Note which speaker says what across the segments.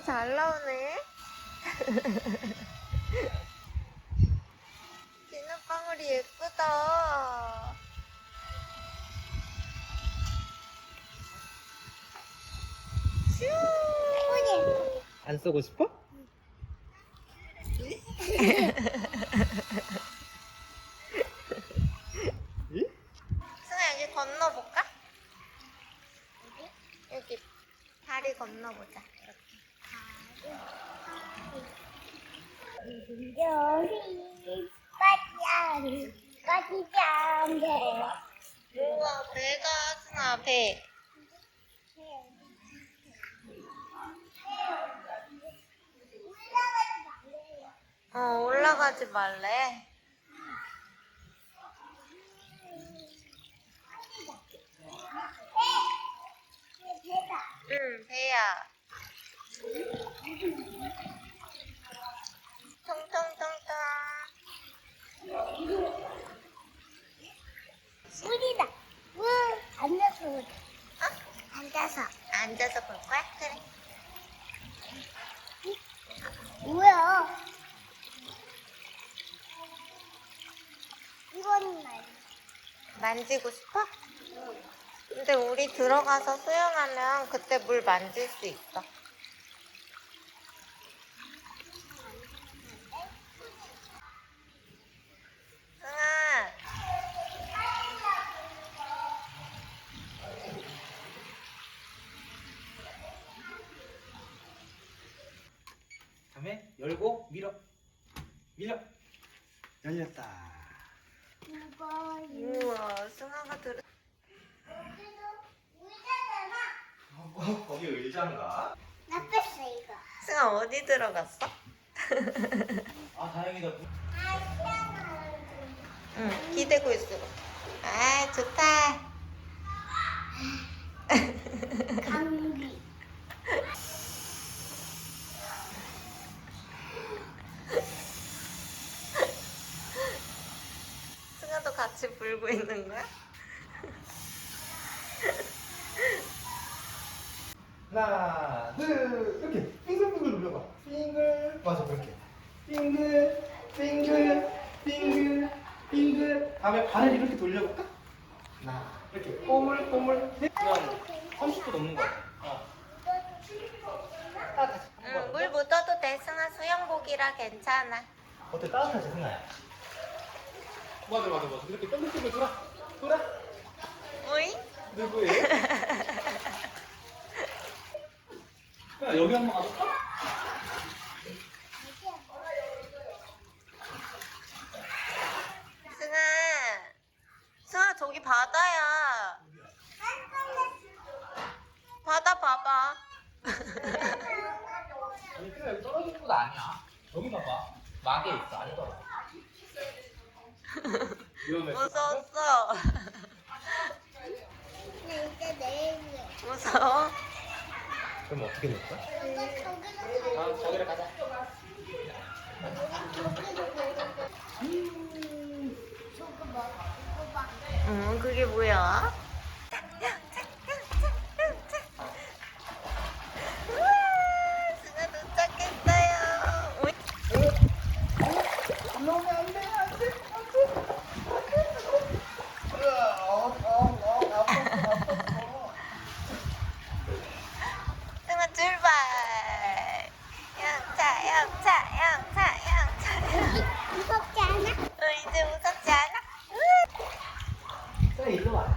Speaker 1: 잘 나오네. 비눗방울이 예쁘다. 슈.
Speaker 2: 안 쓰고 싶어?
Speaker 1: 승아 여기 건너볼까? 여기 다리 건너보자. 우와 배가 승아 배. 올라가지 말래. 응 배야. 통통통통.
Speaker 3: 물이다. 앉아서.
Speaker 1: 앉아서 볼 거야? 그래.
Speaker 3: 뭐야? 이거는 말.
Speaker 1: 만지고 싶어? 근데 우리 들어가서 수영하면 그때 물 만질 수 있어. 승아.
Speaker 2: 다음에 열고 밀어. 열렸다.
Speaker 1: 우와 승아가 들어.
Speaker 2: 거기 의자인가?
Speaker 3: 나 뺐어 이거.
Speaker 1: 승아 어디 들어갔어?
Speaker 2: 아 다행이다.
Speaker 1: 응 기대고 있어. 아 좋다.
Speaker 3: 감기.
Speaker 1: 승아도 같이 불고 있는 거야?
Speaker 2: 하나, 둘, 이렇게 빙글빙글 눌러봐. 빙글, 맞아 그렇게. 빙글. 다음에 발을 이렇게 돌려볼까? 하나, 이렇게 꼬물꼬물. 그냥 30분 넘는 거. 따뜻하지?
Speaker 1: 응 물 묻어도 돼. 승아 수영복이라 괜찮아.
Speaker 2: 어때 따뜻하지 승아야? 맞아. 이렇게 뺑글뺑글 돌아.
Speaker 1: 오잉?
Speaker 2: 누구예요? 야, 여기 한번 가볼까?
Speaker 1: 승아 저기 바다야. 바다 봐봐.
Speaker 2: 아니 그래 여기 떨어지는 곳 아니야. 여기 봐봐. 막에 있어 안 떨어져. 위험해.
Speaker 1: 무서웠어.
Speaker 3: 나 이제 내일이야.
Speaker 1: 무서워?
Speaker 2: 그럼 어떻게 될까?
Speaker 3: 저기로
Speaker 2: 저기를 가자.
Speaker 3: 저거 봐. 이거 봐.
Speaker 1: 응 그게 뭐야? 우와, 승아 도착했어요. 오이.
Speaker 2: 올라오면 안 돼.
Speaker 1: 승아 출발. 영차.
Speaker 3: 무섭지 않아?
Speaker 1: 이제 무섭지 않아?
Speaker 2: 그래 일로 와.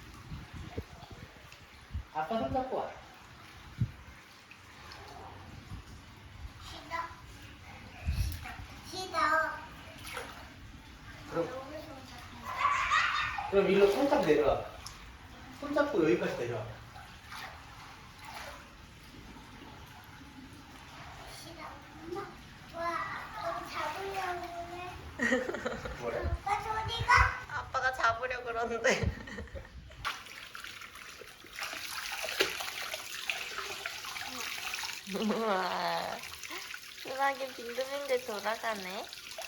Speaker 2: 아빠 손 잡고 와.
Speaker 3: 싫어.
Speaker 2: 그럼 일로 손잡 내려와. 손 잡고 여기까지 내려와.
Speaker 3: 싫어. 엄마. 와, 너 잡으려고 해.
Speaker 2: 뭐래?
Speaker 3: 오빠 소리가?
Speaker 1: 아빠가 잡으려 그러는데. 우와. 순하게 빙글빙글 돌아가네.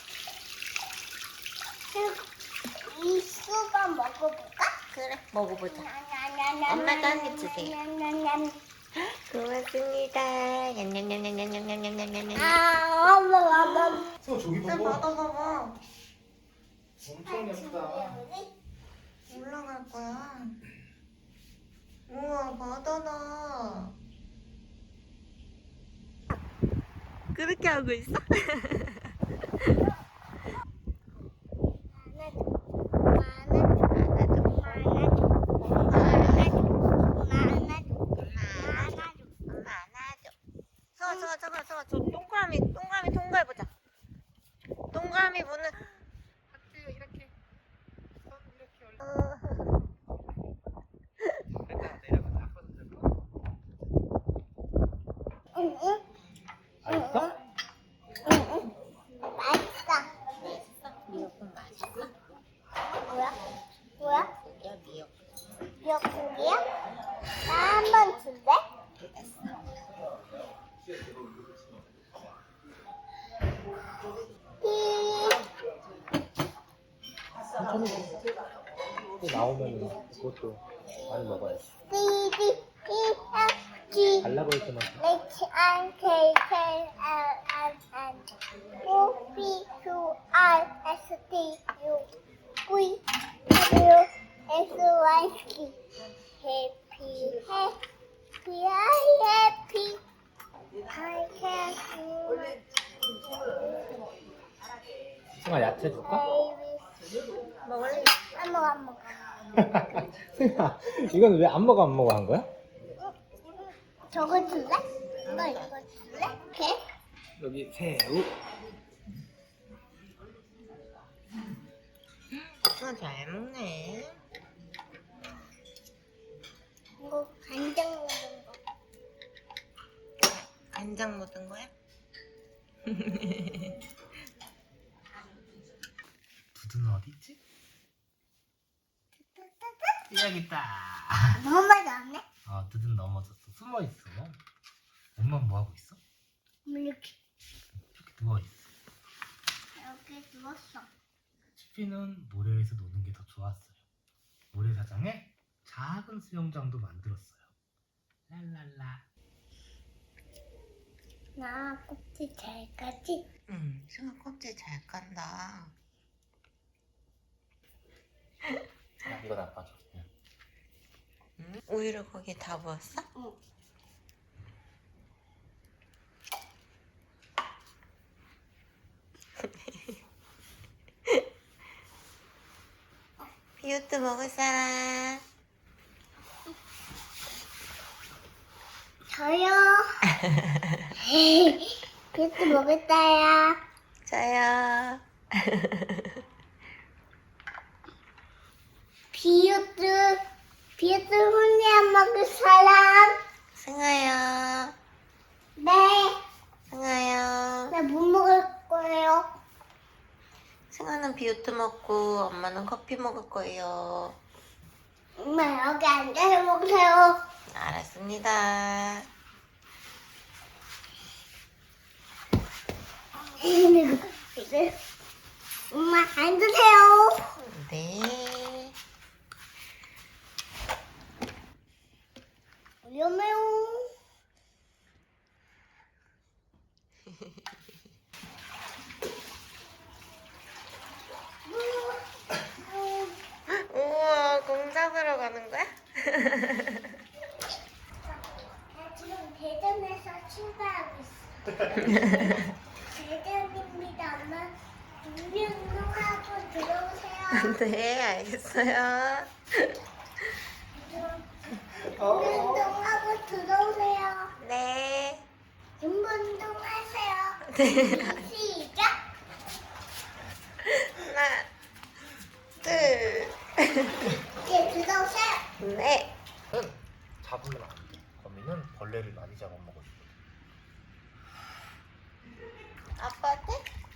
Speaker 3: 이 수박 먹어볼까?
Speaker 1: 그래, 먹어보자.
Speaker 3: 엄마가
Speaker 1: 엄마가 한입 주세요.
Speaker 3: 냠냠냠냠.
Speaker 1: 고맙습니다. 냠냠냠냠냠냠냠냠냠냠.
Speaker 3: 엄마.
Speaker 2: 승아 저기
Speaker 1: 나
Speaker 2: 봐봐.
Speaker 1: 받아봐봐.
Speaker 2: 엄청 예쁘다.
Speaker 1: 올라갈 거야. 우와, 바다다. 그렇게 하고 있어? 서서 저 동그라미 통과해보자. 동그라미 보는.
Speaker 2: 하트 이렇게. 손 이렇게 올려. 일단 내려가자. 아빠도 들고. 맛있어?
Speaker 3: 맛있어.
Speaker 1: 미역국 맛있어?
Speaker 3: 뭐야?
Speaker 1: 고기야, 미역국.
Speaker 3: 미역국이야? 나 한 번 줄래?
Speaker 2: 또 나오면 그것도 많이 먹어야지.
Speaker 3: G
Speaker 2: 달라 보일 때만.
Speaker 3: H I K K L M N O P Q R S T U V W X Y Z Happy Happy Happy I can
Speaker 2: 승아 야채 줄까?
Speaker 1: 먹을래?
Speaker 3: 안 먹어 안 먹어.
Speaker 2: 승아 이건 왜 안 먹어 한 거야?
Speaker 3: 저거 줄래? 너 이거 줄래? 개?
Speaker 2: 여기 새우.
Speaker 1: 잘 먹네.
Speaker 3: 이거 간장 넣은 거.
Speaker 1: 간장 묻은 거야?
Speaker 2: 두두는 어디 있지? 여기 있다.
Speaker 3: 너무 많이 나왔네?
Speaker 2: 아, 두두는 넘어졌어. 숨어 있어. 엄마는 뭐 하고 있어?
Speaker 3: 이렇게
Speaker 2: 이렇게 누워 있어.
Speaker 3: 이렇게 누웠어.
Speaker 2: 치피는 모래에서 노는 게 더 좋았어요. 모래사장에 작은 수영장도 만들었어요. 랄랄라.
Speaker 3: 나 꼭지 잘 까지?
Speaker 1: 응, 승아 껍질 잘 깐다.
Speaker 2: 이거 다 빠져.
Speaker 1: 응? 우유를 거기 다 부었어?
Speaker 3: 응.
Speaker 1: 비오트 먹을 사람?
Speaker 3: 저요. 비트 먹었어요.
Speaker 1: 저요.
Speaker 3: 비트 혼자 먹을 사람?
Speaker 1: 승아요.
Speaker 3: 네.
Speaker 1: 승아요.
Speaker 3: 나 못 먹을 거예요.
Speaker 1: 승아는 비오트 먹고 엄마는 커피 먹을 거예요.
Speaker 3: 엄마 여기 앉아서 먹으세요.
Speaker 1: 알았습니다.
Speaker 3: 엄마 앉으세요.
Speaker 1: 네.
Speaker 3: 위험해요.
Speaker 1: 우와, 공작으로 가는 거야?
Speaker 3: 나 지금 대전에서 출발하고 있어. 대전입니다. 엄마 운동하고 들어오세요.
Speaker 1: 네, 알겠어요.
Speaker 3: 운동하고 들어오세요.
Speaker 1: 네.
Speaker 3: 운동하세요.
Speaker 1: 네.
Speaker 3: 시작.
Speaker 1: 하나, 둘.
Speaker 3: 이제 들어오세요.
Speaker 1: 네.
Speaker 2: 잡으면 안 돼. 거미는 벌레를 많이 잡아먹어요.
Speaker 1: 아빠한테?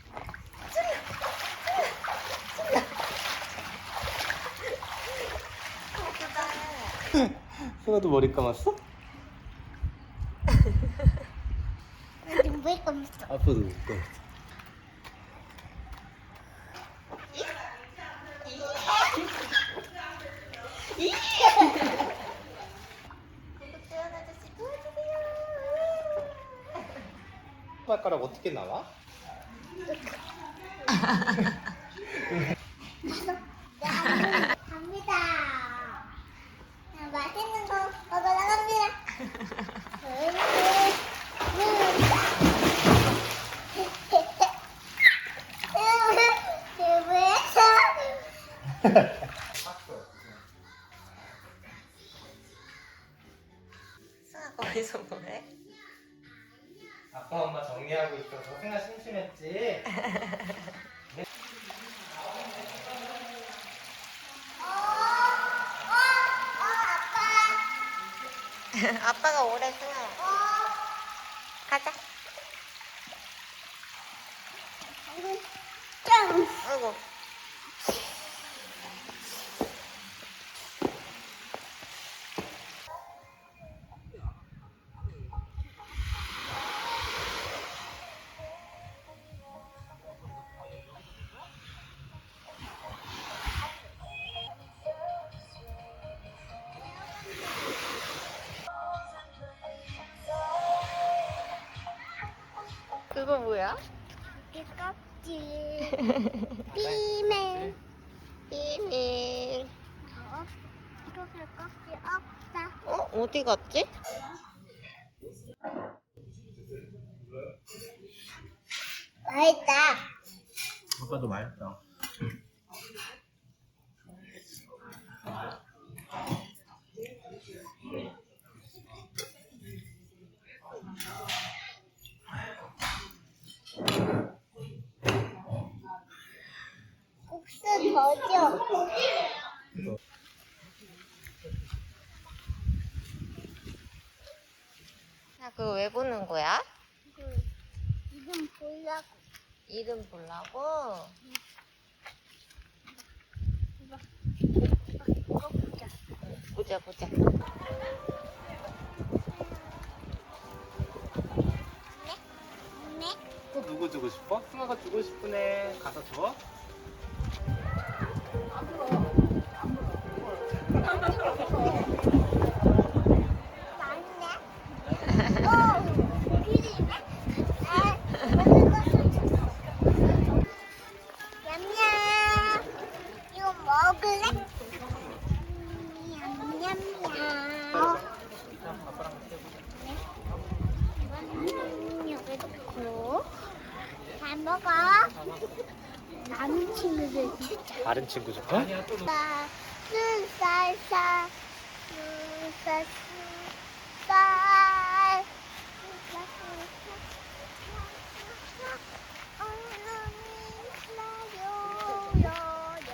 Speaker 2: 승아도 머리 감았어?
Speaker 3: 나 지금 왜 감았어?
Speaker 2: 아빠도 웃고.
Speaker 1: 구독 좋아요 아저씨 도와줘.
Speaker 2: 발가락 어떻게 나와?
Speaker 3: 갑니다. 맛있는 거 먹으러 갑니다.
Speaker 1: 승아 거기서 뭐해?
Speaker 2: 아빠 엄마 정리하고 있어서 승아 심심했지?
Speaker 1: 아빠가 오래 승아. 가자.
Speaker 3: 짱!
Speaker 1: 아이고. 그거 뭐야?
Speaker 3: 이 껍질. 비밀.
Speaker 1: 비밀.
Speaker 3: 이렇게 껍질 없다.
Speaker 1: 어? 어디 갔지?
Speaker 3: 맛있다.
Speaker 2: 아빠도 맛있다.
Speaker 3: 국수 더 줘.
Speaker 1: 야, 그거 왜 보는 거야?
Speaker 3: 이름 보려고.
Speaker 1: 이름 보려고?
Speaker 3: 이거 보자.
Speaker 1: 보자, 보자.
Speaker 3: 네?
Speaker 2: 또 누구 주고 싶어? 승아가 주고 싶으네. 가서 줘.
Speaker 3: 맞네. 오, 그리네. 아, 먹을 거. 냠냠. 이거 먹을래? 냠냠냠. 이건 여기 넣고. 잘 먹어. 남은 친구들 주자.
Speaker 2: 다른 친구 줄까?
Speaker 3: 쌀쌀쌀 쌀쌀